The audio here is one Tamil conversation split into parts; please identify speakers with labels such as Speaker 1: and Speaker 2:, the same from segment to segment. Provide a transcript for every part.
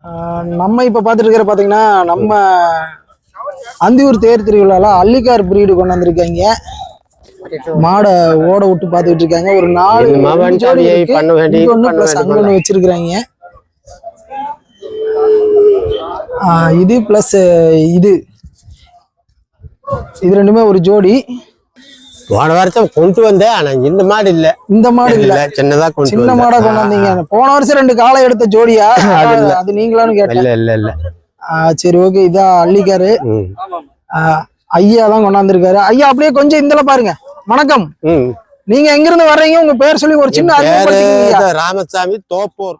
Speaker 1: நம்ம இப்ப பாத்துட்டு இருக்கிற பாத்தீங்கன்னா நம்ம அந்தியூர் தேர் திருவிழால அள்ளிக்கார் பிரீடு கொண்டு வந்திருக்காங்க. மாடை ஓட விட்டு பாத்துட்டு இருக்காங்க. ஒரு 4 ஜோடி அங்கொன்னு வச்சிருக்காங்க. இது பிளஸ் இது ரெண்டுமே ஒரு ஜோடி.
Speaker 2: போன வருஷம் கொண்டு வந்தேன். ஆனா இந்த மாடு இல்ல, சின்னதா
Speaker 1: சின்ன மாடா கொண்டு வந்தீங்க. போன வருஷம் 2 காலை எடுத்த ஜோடியா? அது நீங்களான்னு கேட்டேன்.
Speaker 2: இல்ல.
Speaker 1: சரி, ஓகே. இதான் அள்ளிக்காரு. ஐயா தான் கொண்டாந்துருக்காரு. ஐயா அப்படியே கொஞ்சம் இந்தல பாருங்க. வணக்கம். நீங்க எங்க இருந்து வர்றீங்க? உங்க பேர் சொல்லி ஒரு சின்ன
Speaker 2: அறிமுகப்படுத்திக்கங்க. Ramasamy, Thoppur.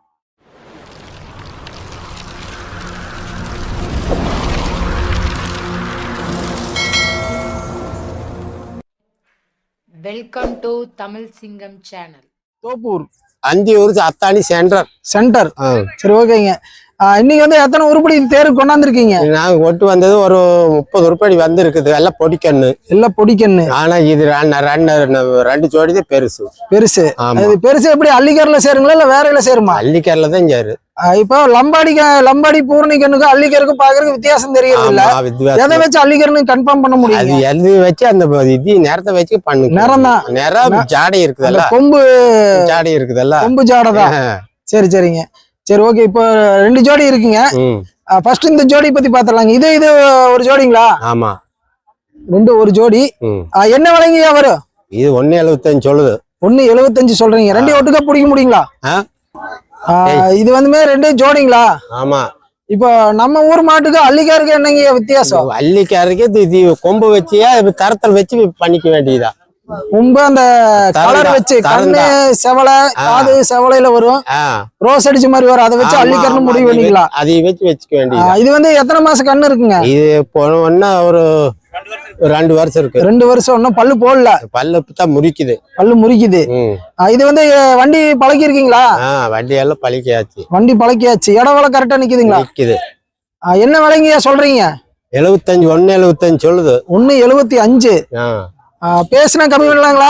Speaker 3: Welcome to Tamil Singam channel.
Speaker 1: Thoppur,
Speaker 2: Anthiyur Athani center.
Speaker 1: சரி, ஓகேங்க. இன்னைக்கு வந்து எத்தனை உருப்படி தேர் கொண்டாந்துருக்கீங்க?
Speaker 2: நாங்க கொண்டு வந்தது ஒரு 30 உருப்படி வந்து இருக்குது. எல்லாம் பொடிக்கண்ணு. ஆனா இது 2 ஜோடி தான் பெருசு. பெருசு எப்படி அள்ளிக்கார்ல சேருங்களா இல்ல வேற சேருமா? அள்ளிக்கார்ல தான் சேரு.
Speaker 1: இப்போ லம்பாடி பூர்ணிக்கண்ணுக்கு அள்ளிக்கருக்கு பாக்குறதுக்கு வித்தியாசம் தெரியுது இல்ல? எதை வச்சு அள்ளிக்கர்னு கன்ஃபார்ம் பண்ண முடியும்?
Speaker 2: அது எது வச்சு அந்த இது நேரத்தை வச்சு பண்ணுங்க. நிறம் ஜாடை இருக்குதல்ல,
Speaker 1: கொம்பு
Speaker 2: ஜாடை இருக்குதல்ல,
Speaker 1: கொம்பு ஜாடைதான். சரிங்க. சரி, ஓகே. இப்போ 2 ஜோடி இருக்குங்க. ஃபர்ஸ்ட் இந்த ஜோடி பத்தி பாத்துறலாங்க. இது ஒரு ஜோடிங்களா?
Speaker 2: ஆமா,
Speaker 1: 2 ஒரு ஜோடி. என்ன விலைங்கயா வரும்?
Speaker 2: இது 1.75 சொல்லுது.
Speaker 1: 1.75 சொல்றீங்க. 2 ஒட்டுக்கா பிடிக்க முடியுங்களா? இது வந்துமே 2 ஜோடிங்களா?
Speaker 2: ஆமா.
Speaker 1: இப்போ நம்ம ஊர் மாட்டுக்கு அள்ளிக்காருக்கு என்னங்க வித்தியாசம்?
Speaker 2: அள்ளிக்காருக்கு இது கொம்பு வச்சியா தரத்தல் வச்சு பண்ணிக்க வேண்டியதா?
Speaker 1: கொம்பு அந்த கலர் வச்சு, கண்ணு செவலை, காது செவலையில வரும், ரோஸ் அடிச்ச மாதிரி வரும். அதை வச்சு அள்ளிக்காருன்னு முடிவு பண்ணிக்கலாம்.
Speaker 2: அதை வச்சுக்க வேண்டியது.
Speaker 1: இது வந்து எத்தனை மாசம் கண்ணு இருக்குங்க?
Speaker 2: இது ஒன்னா ஒரு 2 வருஷம் இருக்கு.
Speaker 1: 2 வருஷம். ஒன்னும் பல்லு போடல.
Speaker 2: பல்லு தான் முறிக்குது.
Speaker 1: இது வந்து வண்டி பழக்கி இருக்கீங்களா?
Speaker 2: வண்டி எல்லாம்
Speaker 1: பழக்கியாச்சு. இடவள கரெக்டா நிக்குதுங்களா?
Speaker 2: நிக்குது.
Speaker 1: என்ன விலைங்க சொல்றீங்க?
Speaker 2: 75. 1.75 சொல்லுது.
Speaker 1: 1.75. பேசுனா கம்மி பண்ணலாங்களா?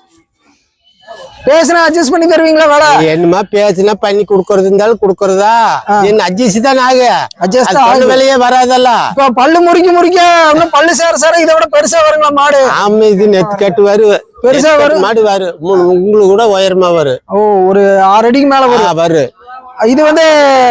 Speaker 1: பேசுனா அட்ஜஸ்ட் பண்ணி தருவீங்களா? வேலை
Speaker 2: என்னமா பேசுனா பண்ணி குடுக்கறது இருந்தாலும் குடுக்கறதா? என்ன அட்ஜஸ்ட் தான் விலையே வராதல்ல.
Speaker 1: இப்ப பல்லு முறிக்க இன்னும் பல்லு சேர இதை விட பெருசா வருங்களா மாடு?
Speaker 2: ஆமா, இது நெத்து கட்டு வரும், பெருசா வரும் மாடு வரும். உங்களுக்கு கூட உயரமா வரும்.
Speaker 1: ஒரு 6 அடிக்கு மேல வரும். இது வந்து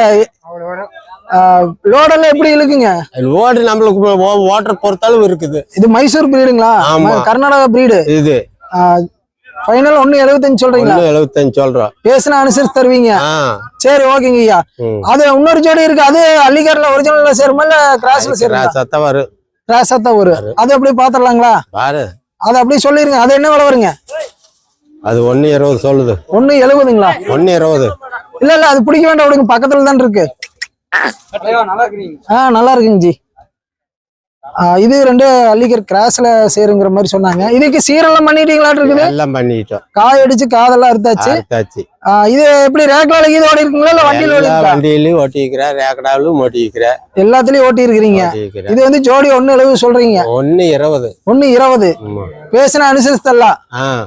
Speaker 1: லோடெல்லாம் எப்படி இருக்குங்க?
Speaker 2: லோடு நம்மளுக்கு ஓட்டர் பொறுத்தாலும் இருக்குது.
Speaker 1: இது மைசூர் பிரீடுங்களா? கர்நாடகா பிரீடு.
Speaker 2: இது
Speaker 1: ஃபைனல் 1.75 சொல்றீங்களா?
Speaker 2: 1.75 சொல்றோம்.
Speaker 1: பேசினா அனுசரிச்சு தருவீங்க. சரி, ஓகேங்க ஐயா. அது இன்னொரு ஜோடி இருக்கு. அது அள்ளிக்கார்ல ஒரிஜினல்ல சேருமா இல்ல கிராஸ்ல சேருமா? கிராஸா தான் வரும். அது அப்படியே பாத்துடலாங்களா?
Speaker 2: பாரு,
Speaker 1: அது அப்படியே சொல்லிருங்க. அது என்ன விலை வருங்க?
Speaker 2: அது 1.20 சொல்லுது.
Speaker 1: 1.70ங்களா?
Speaker 2: 1.20.
Speaker 1: இல்ல அது பிடிக்க வேண்டாம், விடுங்க. பக்கத்துல தான் இருக்கு. நல்லா இருக்குங்க ஜி. இது 2 அள்ளிக்கர் கிராஸ்ல சேருங்கிற மாதிரி சொன்னாங்க. இதுக்கு சீரெல்லாம் பண்ணிட்டீங்களா? இருக்குது,
Speaker 2: எல்லாம் பண்ணிட்டோம்.
Speaker 1: காய் அடிச்சு காதெல்லாம் அறுத்தாச்சு. இது எப்படி ரேக்லால இது ஓடி இருக்குங்களா இல்ல
Speaker 2: வண்டியிலயும் ஓட்டிக்கிறேன், ரேக்கடாவிலும் ஓட்டிக்கிறேன்,
Speaker 1: எல்லாத்துலயும் ஓட்டி இருக்கிறீங்க. இது வந்து ஜோடி 1.70 சொல்றீங்க.
Speaker 2: 1.20.
Speaker 1: பேசினா அனுசரிச்சு தரலாம்.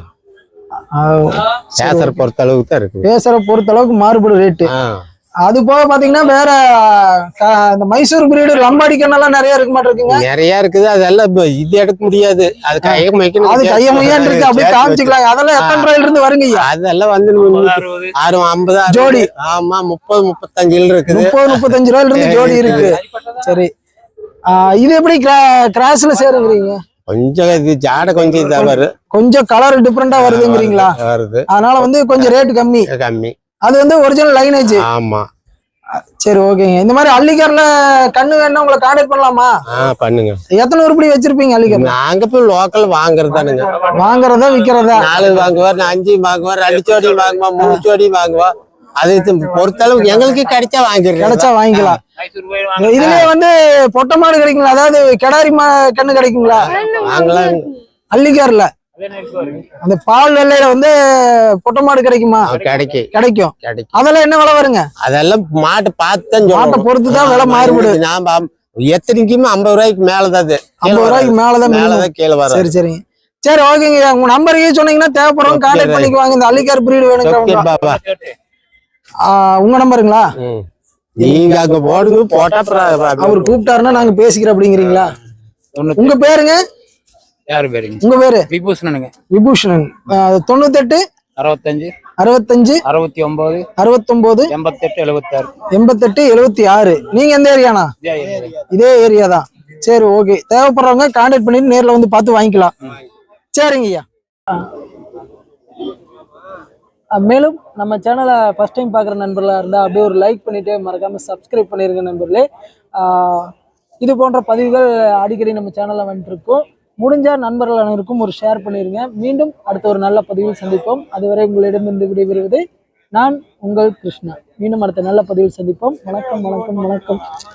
Speaker 2: பேசற பொறுத்த அளவுக்கு தான் இருக்கு.
Speaker 1: பேசற பொறுத்த அளவுக்கு மாறுபடும் ரேட்டு. அது போக பாத்தீங்கன்னா வேற இந்த மைசூர் பிரீடு லம்பாடி கண்ணெல்லாம் நிறைய இருக்க மாட்டிருக்குங்க.
Speaker 2: நிறைய இருக்குது. அதெல்லாம் இது எடுக்க முடியாது. அது கையமையான்
Speaker 1: இருக்கு. அப்படியே காமிச்சுக்கலாம். அதெல்லாம் எத்தனை ரூபாயில இருந்து வருங்க?
Speaker 2: அதெல்லாம் வந்து 650
Speaker 1: ஜோடி.
Speaker 2: ஆமா, 30-35 இருக்குது.
Speaker 1: 30-35 ரூபாயில இருந்து ஜோடி இருக்கு. சரி, இது எப்படி கிராஸ்ல சேருங்கிறீங்க?
Speaker 2: கொஞ்சம் இது ஜாடை கொஞ்சம் இதா வரும்,
Speaker 1: கொஞ்சம் கலர் டிஃபரெண்டா வருதுங்கிறீங்களா?
Speaker 2: வருது.
Speaker 1: அதனால வந்து கொஞ்சம் ரேட் கம்மி. அது வந்து ஒரிஜினல் லைனேஜ்.
Speaker 2: ஆமா.
Speaker 1: சரி, ஓகேங்க. இந்த மாதிரி அள்ளிக்கார்ல கண்ணு வேணா உங்களை கான்டாக்ட் பண்ணலாமா?
Speaker 2: பண்ணுங்க.
Speaker 1: எத்தனை உருப்படி வச்சிருப்பீங்க அள்ளிக்கார்?
Speaker 2: நாங்க போய் லோக்கல் வாங்குறதானுங்க.
Speaker 1: வாங்குறதா விக்கிறதா?
Speaker 2: 4 வாங்குவார், 5 வாங்குவார், 2 ஜோடி வாங்குவா, 3 ஜோடி வாங்குவா. அது பொறுத்தளவு எங்களுக்கு கிடைச்சா
Speaker 1: வாங்கிக்கலாம். இதுலயே வந்து பொட்டை மாடு கிடைக்குங்களா? அதாவது கிடாரி கண்ணு கிடைக்குங்களா?
Speaker 2: வாங்கலாம்.
Speaker 1: அள்ளிக்கார்ல அந்த பால் வெள்ளையில வந்து பொட்டை மாடு கிடைக்குமா? கிடைக்கும். அதெல்லாம் என்ன விலை வருங்க?
Speaker 2: அதெல்லாம் மாட்டை பார்த்து,
Speaker 1: மாட்டை பொறுத்துதான் விலை மாறுபடுது.
Speaker 2: நாம எத்தனைக்குமே 50 ரூபாய்க்கு மேலதான்.
Speaker 1: 50 ரூபாய்க்கு மேலதான்
Speaker 2: கீழே வரும்.
Speaker 1: சரிங்க. சரி, ஓகேங்க. உங்க நம்பரையே சொன்னீங்கன்னா தேவைப்படுறவங்க கான்டாக்ட் பண்ணிக்குவாங்க. இந்த அள்ளிக்கார் பிரீடு வேணுங்க. உங்க நம்பருங்களா?
Speaker 2: நீங்க அங்க போடுங்க போட்டா
Speaker 1: அவர் கூப்பிட்டாருன்னா நாங்க பேசிக்கிறோம் அப்படிங்கிறீங்களா? உங்க பேருங்க?
Speaker 4: யாரு பேருங்க?
Speaker 1: உங்க பேரு?
Speaker 4: விபூஷணனுங்க.
Speaker 1: விபூஷணன். 98
Speaker 4: 65
Speaker 1: 65
Speaker 4: 69
Speaker 1: 69
Speaker 4: 88 76
Speaker 1: 88 76. நீங்க எந்த ஏரியானா? இதே ஏரியா தான். சரி, ஓகே. தேவைப்படுறவங்க கான்டாக்ட் பண்ணிட்டு நேர்ல வந்து பார்த்து வாங்கிக்கலாம். சரிங்க ஐயா. மேலும் நம்ம சேனலை ஃபர்ஸ்ட் டைம் பார்க்குற நண்பர்களாக இருந்தால் அப்படியே ஒரு லைக் பண்ணிவிட்டு மறக்காமல் சப்ஸ்கிரைப் பண்ணிடுங்க நண்பர்களே. இது போன்ற பதிவுகள் அடிக்கடி நம்ம சேனலில் வந்துட்டுருக்கோம். முடிஞ்சால் நண்பர்கள் அனைவருக்கும் ஒரு ஷேர் பண்ணிடுங்க. மீண்டும் அடுத்த ஒரு நல்ல பதிவில் சந்திப்போம். அதுவரை உங்களிடமிருந்து விடைபெறுவது நான் உங்கள் கிருஷ்ணா. மீண்டும் அடுத்த நல்ல பதிவில் சந்திப்போம். வணக்கம் வணக்கம் வணக்கம்.